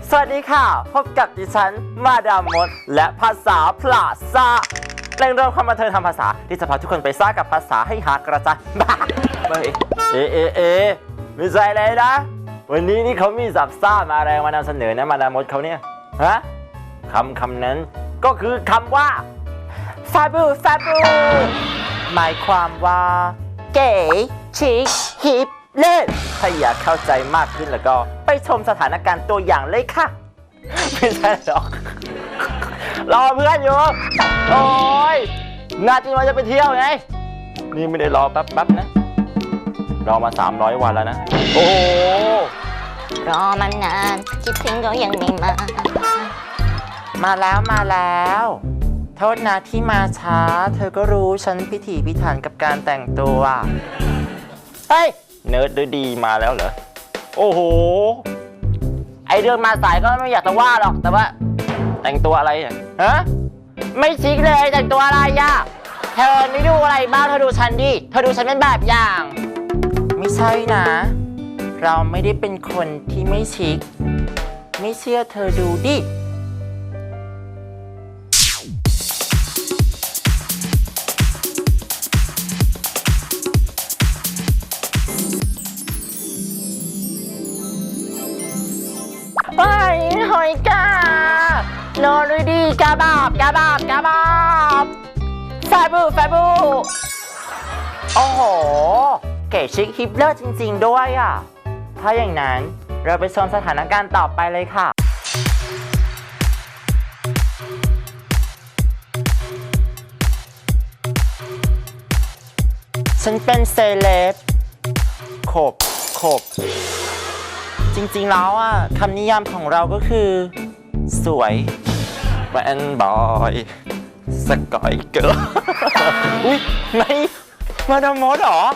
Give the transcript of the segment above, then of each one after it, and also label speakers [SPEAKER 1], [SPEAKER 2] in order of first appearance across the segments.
[SPEAKER 1] สวัสดีค่ะพบกับดิฉันมาดามมดและภาษาพลาซ่าแหล่งรวมความบันเทิงทางภาษาที่จะพาทุกคนไปซ่ากับภาษาให้หากระจายบ้าไม่ใช่เลยนะวันนี้นี่เขามีสับซ่ามาแรงมานำเสนอนะมาดามมดเขาเนี่ยฮะคำนั้นก็คือคำว่าฟาบูหมายความว่าเก๋ชิคฮิปเล่นถ้าอยากเข้าใจมากขึ้นแล้วก็ไปชมสถานการณ์ตัวอย่างเลยค่ะไม่ใช่หรอกรอเพื่อนอยู่โอ้ยนาจินว่าจะไปเที่ยวไงนี่ไม่ได้รอแป๊บนะรอมา300 วันแล้วนะโอ้
[SPEAKER 2] รอมานานคิดถึงก็ยังไม่มา
[SPEAKER 1] แล้วโทษนะที่มาช้าเธอก็รู้ฉันพิถีพิถันกับการแต่งตัวเฮ้ยเนิร์ดดีมาแล้วเหรอโอ้โหไอเรื่องมาสายก็ไม่อยากจะว่าหรอกแต่ว่าแต่งตัวอะไรเนี่ยฮะไม่ชิคเลยแต่งตัวอะไรย่ะเธอไม่ดูอะไรบ้างเธอดูฉันดิเธอดูฉันเป็นแบบอย่างไม่ใช่นะเราไม่ได้เป็นคนที่ไม่ชิคไม่เชื่อเธอดูดิไปหอยกาโนรุดีกาบาบแฟบูโอ้โหเก๋ชิคฮิปเลอร์จริงๆด้วยอ่ะถ้าอย่างนั้นเราไปชมสถานการณ์ต่อไปเลยค่ะฉันเป็นเซเลบขบจริงๆแล้วอ่ะคำนิยามของเราก็คือสวยแวนบอยสกอยเกิร์ลอุ้ยไม่มาดามมดเหรอ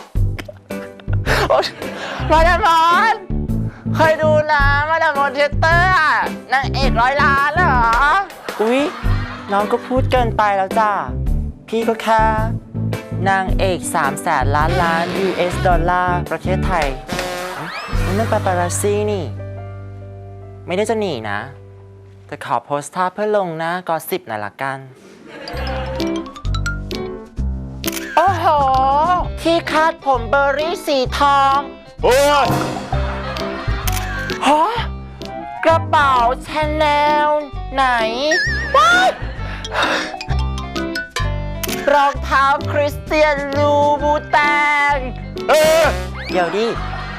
[SPEAKER 1] มาดามมดเคยดูนะมาดามมดเทเตอร์นางเอก100 ล้านเหรออุ้ยน้องก็พูดเกินไปแล้วจ้าพี่ก็แค่นางเอก300,000 ล้าน US ดอลลาร์ประเทศไทยนั่นปาปารัสซี่นี่ไม่ได้จะหนีนะแต่ขอโพสต์ท่าเพื่อลงนะก็10น่ะละกันโอ้โหที่คาดผมเบอร์รี่สีทองโอ้ยฮะกระเป๋าชาแนลไหนว้ายรองเท้าคริสเตียนลูบูแตงเดี๋ยวดิ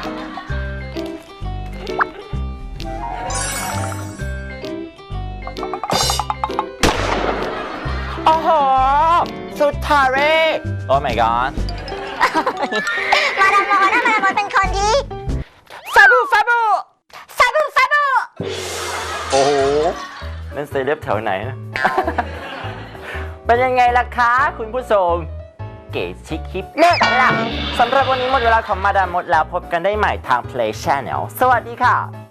[SPEAKER 1] โอ้โหสุดทาเร่โอ้ my god
[SPEAKER 2] มาดามมดเป็นคนที่ฟาบู
[SPEAKER 1] โอ้โหนั่นเซเลบแถวไหนนะ เป็นยังไงล่ะคะคุณผู้ชมเก๋ชิคฮิปเลิศล่ะสำหรับวันนี้หมดเวลาของมาดามมดแล้วพบกันได้ใหม่ทาง Play Channel สวัสดีค่ะ